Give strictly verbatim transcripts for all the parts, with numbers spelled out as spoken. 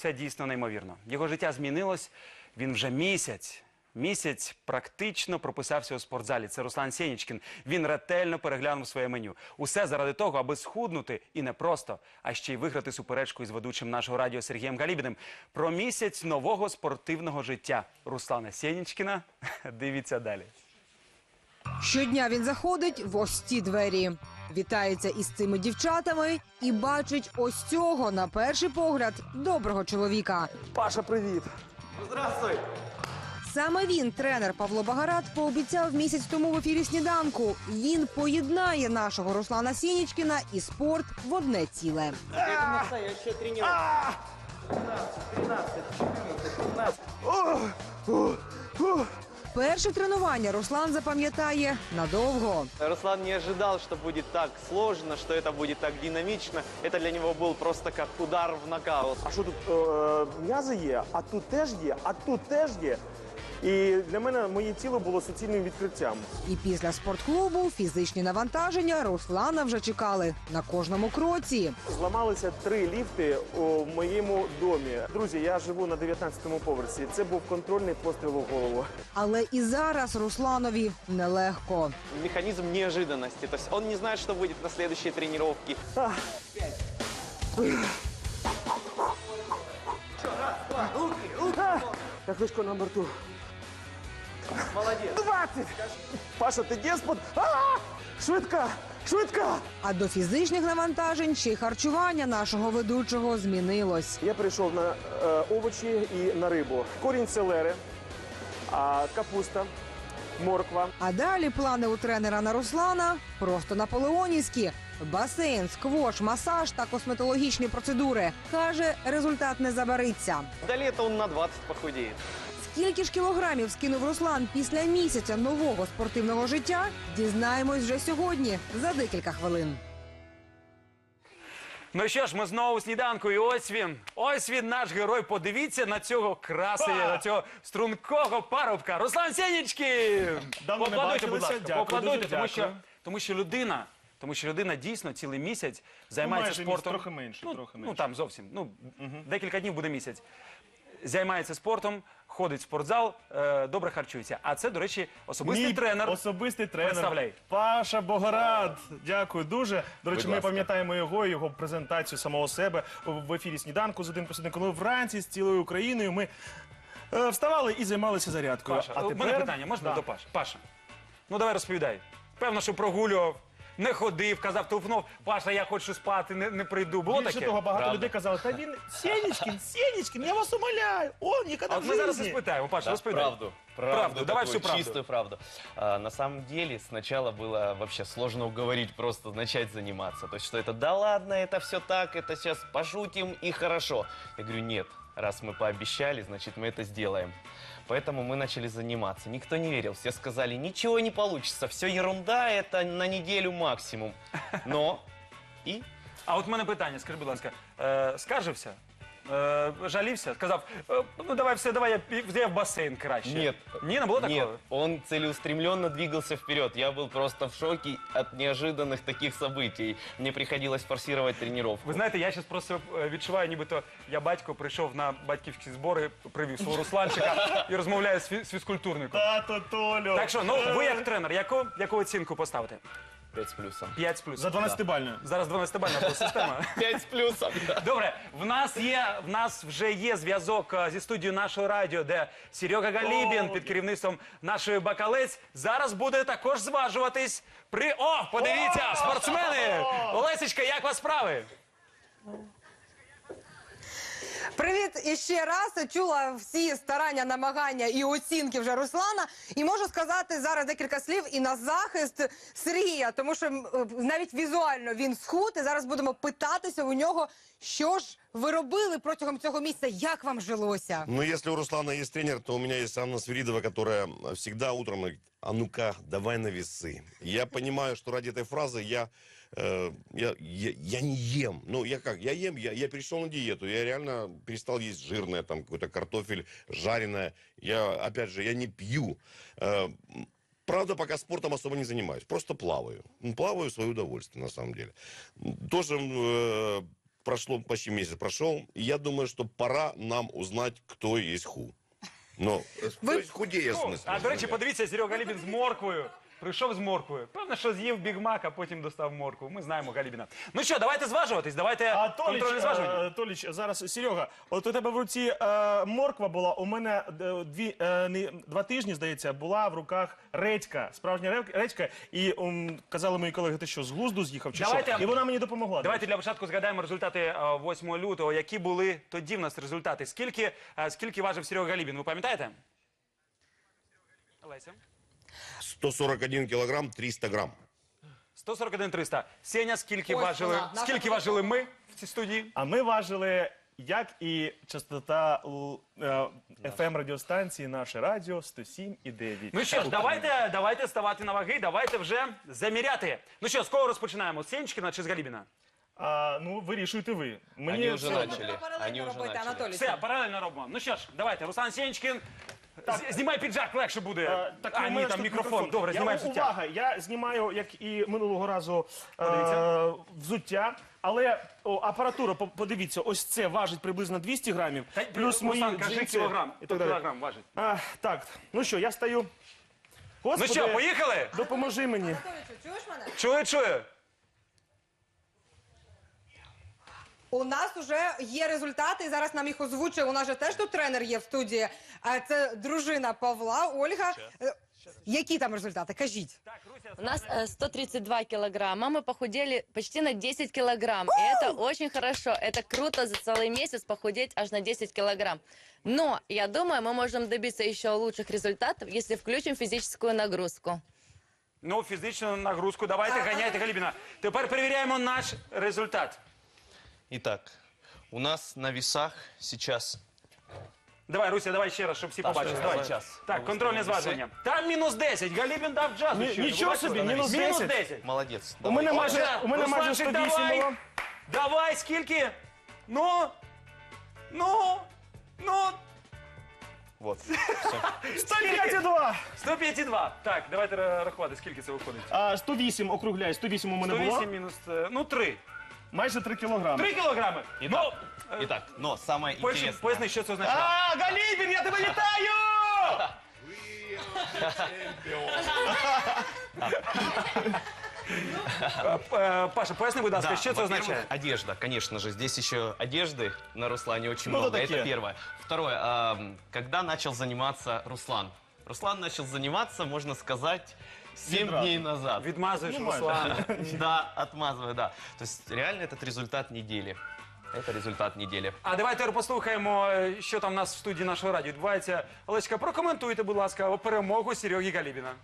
Це дійсно неймовірно. Його життя змінилось, він вже місяць. Місяць практично прописався у спортзалі. Це Руслан Сєнічкін. Він ретельно переглянув своє меню. Усе заради того, аби схуднути і не просто, а ще й виграти суперечку із ведучим нашого радіо Сергієм Галібіним. Про місяць нового спортивного життя Руслана Сєнічкіна дивіться далі. Щодня він заходить в ось ці двері, вітається із цими дівчатами і бачить ось цього, на перший погляд, доброго чоловіка. Паша, привіт. Здравствуй! Саме він, тренер Павло Багарат, пообіцяв місяць тому в ефірі «Сніданку». Він поєднає нашого Руслана Сєнічкіна і спорт в одне ціле. Это настоящая тренировка. тринадцать, тринадцать, четырнадцать. Перше тренування Руслан запам'ятає надовго. Руслан не ожидал, что будет так сложно, что это будет так динамично. Это для него был просто как удар в нокаут. А що тут е, м'язи є, а тут теж є, а тут теж є. І для мене моє тіло було суцільним відкриттям. І після спортклубу фізичні навантаження Руслана вже чекали на кожному кроці. Зламалися три ліфти у моєму домі. Друзі, я живу на дев'ятнадцятому поверсі. Це був контрольний постріл у голову. Але і зараз Русланові нелегко. Механизм неожиданности. То есть он не знает, что будет на следующей тренировке. А. А. Як вишко на борту. Молодец. двадцять! Паша, ти деспот? А! Швидка! Швидка! А до фізичних навантажень ще й харчування нашого ведучого змінилось. Я перейшов на е, овочі і на рибу. Корінь селери, а, капуста, морква. А далі плани у тренера на Руслана просто наполеонівські. Басейн, сквош, масаж та косметологічні процедури. Каже, результат не забариться. До лета он на двадцать похудеет. Скільки ж кілограмів скинув Руслан після місяця нового спортивного життя, дізнаємось вже сьогодні, за декілька хвилин. Ну що ж, ми знову у сніданку, і ось він, ось він, наш герой. Подивіться на цього красення, на цього стрункого парубка. Руслан Сєнічкін! Давно не Поаплодуйте, будь бачилися. ласка, Дякую, поаплодуйте, дуже тому що, дякую. тому що людина, тому що людина дійсно цілий місяць займається майже спортом. місяць, трохи менше, ну, трохи ну менше. там зовсім, ну декілька днів буде місяць. Займається спортом, ходить в спортзал, е, добре харчується. А це, до речі, особистий Мій тренер. Особистий тренер. Представляй. Паша Богорад. Дякую дуже. До речі, Будь ми ласка. пам'ятаємо його, його презентацію самого себе в ефірі «Сніданку» з один плюс один, коли вранці з цілою Україною ми е, вставали і займалися зарядкою. Паша, у мене питання, можна Да. до Паші? Паша, ну давай розповідай. Певно, що прогулював, не ходив, казав, телефонував, Паша, я хочу спати, не, не прийду. Було Більше таке? того, багато Правда. людей казали, та він Сєнічкін, Сєнічкін, я вас умоляю, он ніколи А в от ми зараз житті. розпитаємо, Паша, Да, розповідай. правду. Правду, давай такую, всю правду. Чистую правду. А, на самом деле, сначала было вообще сложно уговорить просто начать заниматься. То есть, что это, да ладно, это все так, это сейчас пошутим и хорошо. Я говорю, нет, раз мы пообещали, значит, мы это сделаем. Поэтому мы начали заниматься. Никто не верил, все сказали, ничего не получится, все ерунда, это на неделю максимум. Но и... А от в мене питання, скажи, будь ласка, е, скаржився? Е, жалівся? Сказав, е, ну давай все, давай я, пі- я в басейн краще. Нет. Ні, не було такого? Нет, он целеустремленно двигался вперед. Я был просто в шоке от неожиданных таких событий. Мне приходилось форсировать тренировку. Ви знаєте, я зараз просто е, відчуваю, нібито я батько прийшов на батьківські збори, привів свого Русланчика і розмовляю з, фі- з фізкультурником. Тато Толю. Так що, ну ви як тренер, яку, яку оцінку поставите? Пять с плюсом. п'ять з плюсом. За дванадцятибальною. Зараз дванадцятибальна була система. Пять с плюсом, да. Добре, в нас є, в нас вже є зв'язок е, зі студією нашого радіо, де Серега Галібін під керівництвом нашої Бакалець зараз буде також зважуватись при... О, подивіться, спортсмени! Олесечка, як вас справи? Привіт іще раз. Чула всі старання, намагання і оцінки вже Руслана. І можу сказати зараз декілька слів і на захист Сергія, тому що м, е, навіть візуально він схуд. І зараз будемо питатися у нього, що ж ви робили протягом цього місяця, як вам жилося? Ну, если у Руслана есть тренер, то у меня есть Анна Свиридова, которая всегда утром говорит, а ну-ка, давай на весы. Я понимаю, что ради этой фразы я, э, я, я, я не ем. Ну, я как, я ем, я, я перешел на диету. Я реально перестал есть жирное, там, какой-то картофель, жареное. Я, опять же, я не пью. Э, Правда, пока спортом особо не занимаюсь. Просто плаваю. Ну, плаваю в свое удовольствие, на самом деле. Тоже... Э, прошло почти месяц прошел, и я думаю, что пора нам узнать, кто есть ху. Ну, то есть худее, в смысле. А, до речі, подивіться, Серега Галібін з морквою. Прийшов з морквою. Певно, що з'їв бігмак, а потім достав моркву. Ми знаємо Галібіна. Ну що, давайте зважуватись, давайте А Толіч, контрольне зважування. е, Толіч, зараз, Серега, от у тебе в руці е, морква була, у мене е, дві, е, не, два тижні, здається, була в руках редька, справжня рев- редька, і ум, казали мої колеги, ти що, з глузду з'їхав чи Давайте- що? І вона мені допомогла. Давайте для початку згадаємо результати е, восьмого лютого. Які були тоді в нас результати? Скільки, е, скільки важив Серега Галібін, ви пам'ятаєте? Олеся? сто сорок один килограмм, триста грамм. сто сорок один триста. Сеня, скільки Ось важили, вона, наша скільки важили ми в цій студії? А ми важили, як і частота еф ем радіостанції «Наше радіо» сто сім і дев'ять. Ну що ж, давайте, давайте ставати на ваги, давайте вже заміряти. Ну що, з кого розпочинаємо? З Сенчкіна чи з Галібіна? А, ну, вирішуйте ви. Мені Они уже все одно. начали. Паралельно Они уже робити, начали. Анатолій. Все, паралельно робимо. Ну що ж, давайте, Руслан Сенчкін. З- Знімай піджак, легше буде. Е, так, а, у ні, мене там ж тут мікрофон. Добре, Я- знімай взуття. Увага, я знімаю, як і минулого разу, е, Подивіться. взуття. Але о, апаратура, по- подивіться, ось це важить приблизно двісті грамів. Та, Плюс мої Руслан, кажи джинси кілограм. і так далі. Кілограм важить. А, так, ну що, я стою. Ну Господи, що, поїхали? допоможи мені. Анатолійчу, чуєш мене? Чую, чую. У нас вже є результати, і зараз нам їх озвучує. У нас же теж тут тренер є в студії. А це дружина Павла, Ольга. Е, Які там результати? Кажіть. У нас э, сто тридцать два килограмма, мы похудели почти на десять килограмм. И это очень хорошо, это круто за целый месяц похудеть аж на десять килограмм. Но я думаю, мы можем добиться еще лучших результатов, если включим физическую нагрузку. Ну, фізичну нагрузку давайте, ганяйте Галібіна. Тепер перевіряємо наш результат. Итак, у нас на весах сейчас... Давай, Руся, давай ще раз, щоб всі побачили. давай Давай. час. Так, контрольне Виставимо зважування. Там мінус десять. Галібін дав джазу. Ні- щойно. нічого Ви бачили? собі, мінус Мінус десять. десять. Молодец. У мене давай. майже, у мене майже Русланчик, сто вісім давай. було. Давай, скільки? Ну, ну, ну, Вот. сто п'ять і два. сто п'ять і два. Так, давайте ра- рахувати, скільки це виходить. А, сто вісім, округляй, сто вісім у мене сто було. вісім мінус, е, ну, три. Майже три кілограми. три кілограми. Ну, Итак, но самое поясни, интересное... поясни, що це означає. А, Галібін, я тебе вітаю! Е, Паша, поясни, будь ласка, Да, що це во-первых, означає? одежда, конечно же. Здесь еще одежды на Руслане очень Ну, много. такие. Это первое. Второе. ам, когда начал заниматься Руслан? Руслан начал заниматься, можно сказать, семь Відразу. дней назад. Відмазуєш Ну, майже. Руслана. Да, отмазываю, да. То есть реально этот результат недели. Это результат недели. А давайте послухаємо, е, що там у нас в студії нашого радіо відбувається. Олечка, прокоментуйте, будь ласка, перемогу Сереги Галібіна.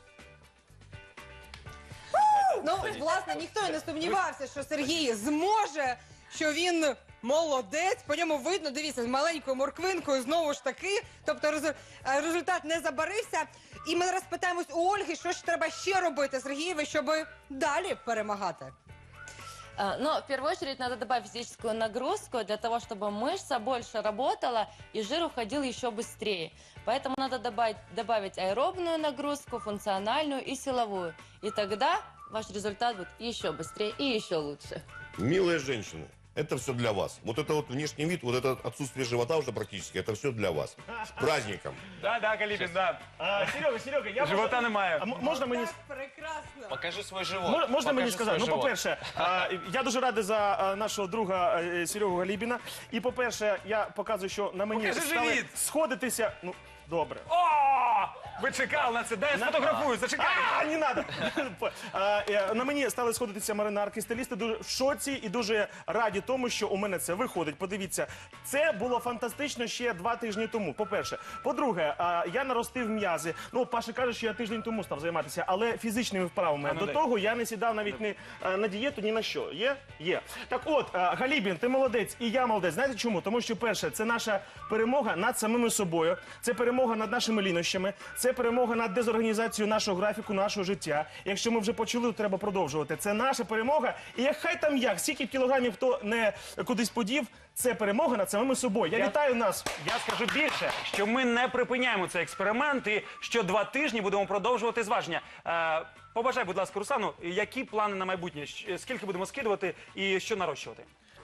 Ну, власне, ніхто і не сумнівався, що Сергій зможе, що він молодець. По ньому видно, дивіться, з маленькою морквинкою знову ж таки. Тобто резу- е, результат не забарився. І ми зараз питаємось у Ольги, що ж треба ще робити Сергієві, щоб далі перемагати. А, Но в первую очередь надо добавить физическую нагрузку для того, чтобы мышца больше работала и жир уходил еще быстрее. Поэтому надо добавить, добавить аэробную нагрузку, функциональную и силовую. И тогда ваш результат будет еще быстрее и еще лучше. Милые женщины, это все для вас. Вот это вот внешний вид, вот это отсутствие живота уже практически, это все для вас. С праздником. Да, да, Галібін, да. А, Серега, Серега, я Живота можу- немає. А м- можна мені Так, прекрасно. Покажи свой живот. Мо- Можна мені Покажи сказати? свой Ну, живот. по-перше, а, я дуже радий за а, нашого друга е, Серегу Галібіна. І, по-перше, я показую, що на мені Покажи стали живіт. сходитися. Ну, добре. О! Ви чекали на це. Дай я сфотографую, зачекай. А, не надо. А, е, На мені стали сходитися маринарки, стилісти дуже в шоці і дуже раді тому, що у мене це виходить. Подивіться, це було фантастично ще два тижні тому. По-перше, по-друге, а, я наростив м'язи. Ну, Паша каже, що я тиждень тому став займатися, але фізичними вправами. А, ну До дай. того я не сідав навіть ні е, на дієту, ні на що. Є? Є. Так от, е, Галібін, ти молодець, і я молодець. Знаєте чому? Тому що, перше, це наша перемога над самими собою, це перемога над нашими лінощами, це перемога над дезорганізацією нашого графіку, нашого життя. Якщо ми вже почали, то треба продовжувати. Це наша перемога. І як хай там як, скільки б кілограмів хто не кудись подів, це перемога над самими собою. Я, Я- вітаю нас. Я скажу більше, що ми не припиняємо цей експеримент і що два тижні будемо продовжувати зваження. Е, побажай, будь ласка, Руслану, які плани на майбутнє? Щ- Скільки будемо скидувати і що нарощувати?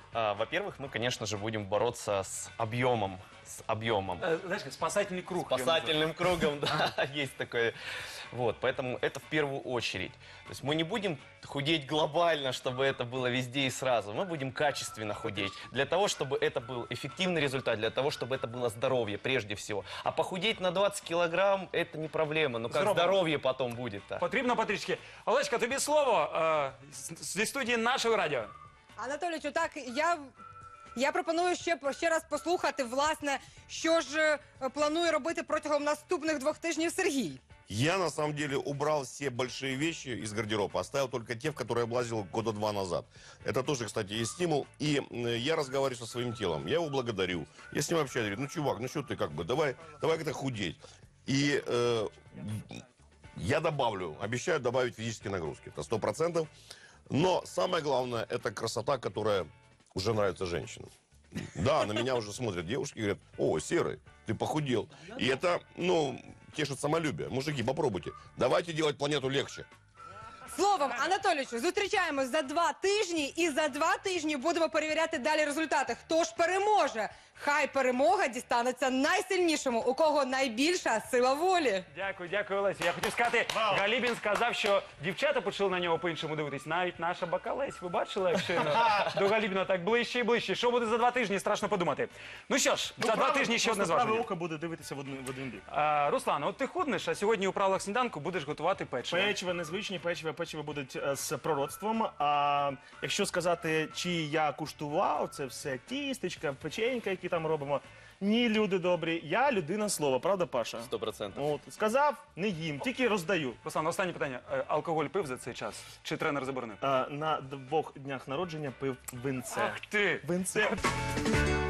А, Во-первых, мы, конечно же, будем бороться с объемом. С объемом. Е, Знаєш, як спасательний круг. його Спасательным кругом, да, есть такое. Вот, поэтому это в первую очередь. То есть мы не будем худеть глобально, чтобы это было везде и сразу. Мы будем качественно худеть. Для того, чтобы это был эффективный результат, для того, чтобы это было здоровье прежде всего. А похудеть на двадцать килограмм – это не проблема. Но как Здорово. здоровье потом будет-то? Потрібно потрішки. Олечка, тобі слово е, з- зі студії нашого радіо. Анатолійовичу, так, я, я пропоную ще, ще раз послухати, власне, що ж е, планує робити протягом наступних двох тижнів Сергій. Я, на самом деле, убрал все большие вещи из гардероба, оставил только те, в которые я облазил года два назад. Это тоже, кстати, есть стимул. И э, я разговариваю со своим телом, я его благодарю. Я с ним общаюсь, говорю, ну, чувак, ну что ты как бы, давай, давай как-то худеть. И э, я добавлю, обещаю добавить физические нагрузки, это сто процентов. Но самое главное, это красота, которая уже нравится женщинам. Да, на меня уже смотрят девушки и говорят, о, Серый, ты похудел. И это, ну, тешит самолюбие. Мужики, попробуйте. Давайте делать планету легче. Словом, Анатолійовичу, зустрічаємось за два тижні і за два тижні будемо перевіряти далі результати. Хто ж переможе? Хай перемога дістанеться найсильнішому, у кого найбільша сила волі. Дякую, дякую, Олесі. Я хотів сказати, Галібін сказав, що дівчата почали на нього по-іншому дивитись. Навіть наша Бакалець. Ви бачили, як щойно до Галібіна так ближче і ближче. Що буде за два тижні, страшно подумати. Ну що ж, за два тижні ще одне Просто праве зваження. око буде дивитися в один, в один бік. А, Руслан, от ти худнеш, а сьогодні у правилах сніданку будеш готувати печиво. Печиво, незвичні печиво, печиво будуть е, з пророцтвом. А якщо сказати, чи я куштував, це все тістечка, печенька, які там робимо. Ні, люди добрі, я людина слова, правда, Паша? Сто процентов. От, сказав, не їм, тільки роздаю. Руслан, останнє питання. Е, Алкоголь пив за цей час? Чи тренер заборонив? А, на двох днях народження пив винце. Ах ти! Винце.